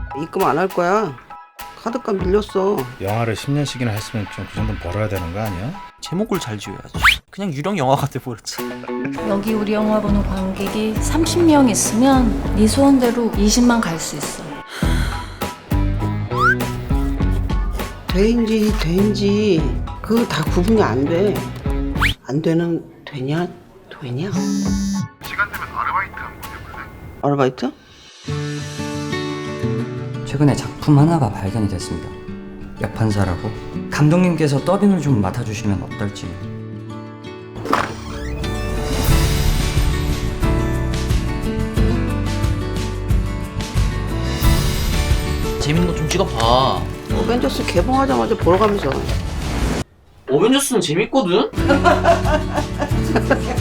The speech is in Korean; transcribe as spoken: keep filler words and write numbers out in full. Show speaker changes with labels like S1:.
S1: 입금 안 할 거야. 카드값 밀렸어.
S2: 영화를 십 년씩이나 했으면 좀 그 정도는 벌어야 되는 거 아니야?
S3: 제목을 잘 지어야지. 그냥 유령 영화가 돼버렸지.
S4: 여기 우리 영화 보는 관객이 삼십 명 있으면 네 소원대로 이십만 갈 수 있어.
S1: 돼인지 돼인지 그거 다 구분이 안 돼. 안 되는 되냐 되냐?
S5: 시간 되면 아르바이트 한번 해볼래?
S1: 아르바이트?
S6: 최근에 작품 하나가 발견이 됐습니다. 약판사라고. 감독님께서 더빙을 좀 맡아주시면 어떨지.
S3: 재밌는 거 좀 찍어봐.
S1: 어벤져스 개봉하자마자 보러 가면서
S3: 어벤져스는 재밌거든?